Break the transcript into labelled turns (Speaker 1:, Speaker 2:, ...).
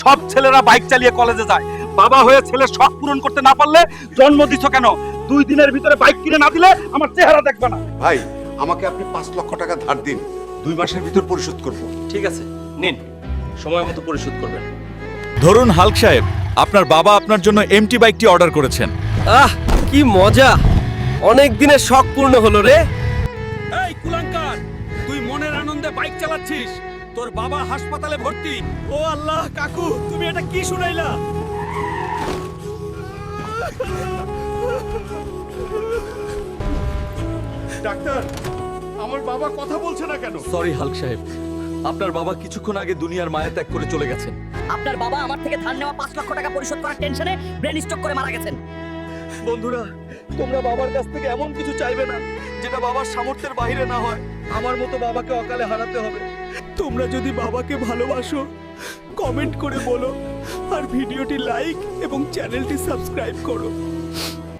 Speaker 1: সব ছেলেরা বাইক চালিয়ে কলেজে যায়, বাবা হয়ে ছেলের শখ পূরণ করতে না পারলে জন্ম দিছো কেন? 2 দিনের ভিতরে বাইক কিনে না দিলে আমার চেহারা দেখবে না।
Speaker 2: ভাই আমাকে আপনি 5 লক্ষ টাকা ধার দিন, 2 মাসের ভিতর পরিশোধ করব।
Speaker 1: ঠিক আছে, নিন, সময় মতো পরিশোধ করবেন।
Speaker 3: ধরুন হাল্ক সাহেব, আপনার বাবা আপনার জন্য এমটি বাইকটি অর্ডার করেছেন।
Speaker 4: আহ কি মজা, অনেক দিনের শখ পূর্ণ হলো রে।
Speaker 1: এই কুলাঙ্কার, তুই মনের আনন্দে বাইক চালাচ্ছিস, তোর বাবা হাসপাতালে ভর্তি। ও আল্লাহ, কাকু তুমি এটা কি শুনাইলা?
Speaker 2: ডাক্তার, আমার বাবা কথা বলছে না কেন?
Speaker 3: সরি হাল্ক সাহেব, আপনার বাবা কিছুক্ষণ আগে দুনিয়ার মায়া ত্যাগ করে চলে গেছেন।
Speaker 5: আপনার বাবা আমার থেকে ধার নেওয়া 5 লক্ষ টাকা পরিশোধ করার টেনশনে ব্রেন স্ট্রোক করে মারা গেছেন।
Speaker 3: বন্ধুরা, তোমরা বাবার কাছ থেকে এমন কিছু চাইবে না যেটা বাবার সামর্থ্যের বাইরে না হয়। আমার মতো বাবাকে অকালে হারাতে হবে। তোমরা যদি বাবাকে ভালোবাসো, কমেন্ট করে বলো, আর ভিডিওটি লাইক এবং চ্যানেলটি সাবস্ক্রাইব করো।